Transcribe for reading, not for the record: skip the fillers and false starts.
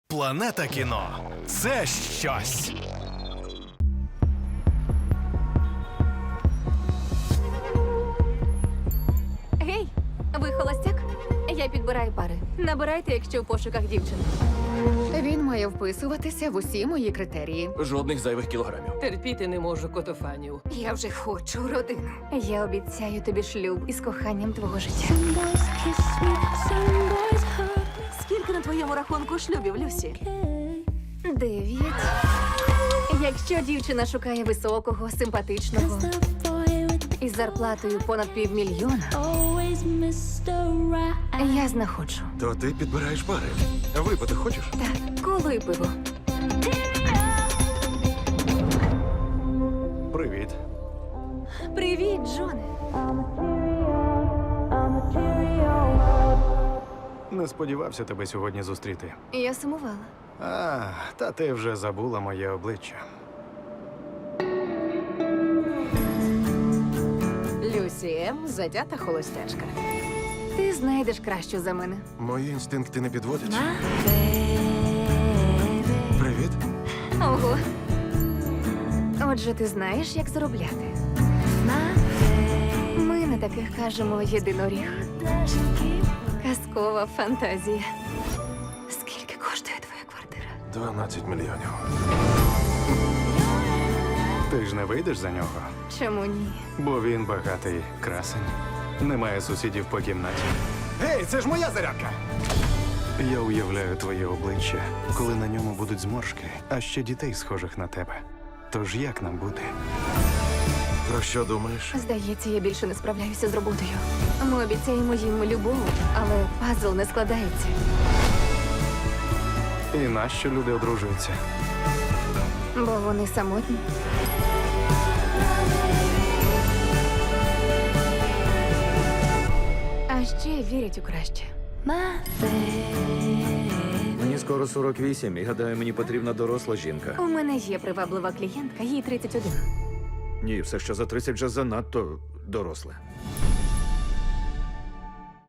Планета кіно – це щось. Гей, ви холостяк? Я підбираю пари. Набирайте, якщо в пошуках дівчин. Він має вписуватися в усі мої критерії. Жодних зайвих кілограмів. Терпіти не можу котофанів. Я вже хочу родину. Я обіцяю тобі шлюб із коханням твого життя. Скільки на твоєму рахунку шлюбів, Люсі? 9. Якщо дівчина шукає високого, симпатичного із зарплатою понад $500,000, я знаходжу. То ти підбираєш пари. Випити хочеш? Так, коло і пиво. Привіт. Привіт, Джоне. Не сподівався тебе сьогодні зустріти. Я сумувала. Та ти вже забула моє обличчя. Люсі М. затята холостячка. Ти знайдеш кращу за мене. Мої інстинкти не підводять. Привіт. Ого. Отже, ти знаєш, як заробляти. Ми на таких кажемо єдиноріг. Казкова фантазія. Скільки коштує твоя квартира? 12 мільйонів. Ти ж не вийдеш за нього, Чому ні? бо він багатий красень. Немає сусідів по кімнаті. Гей, це ж моя зарядка! Я уявляю твоє обличчя, коли на ньому будуть зморшки, а ще дітей, схожих на тебе. Тож як нам бути? Про що думаєш? Здається, я більше не справляюся з роботою. Ми обіцяємо їм любов, але пазл не складається. І нащо люди одружуються? Бо вони самотні. А ще вірять у краще. Мені скоро 48, і гадаю, мені потрібна доросла жінка. У мене є приваблива клієнтка, їй 31. Ні, все, що за 30 вже занадто доросле.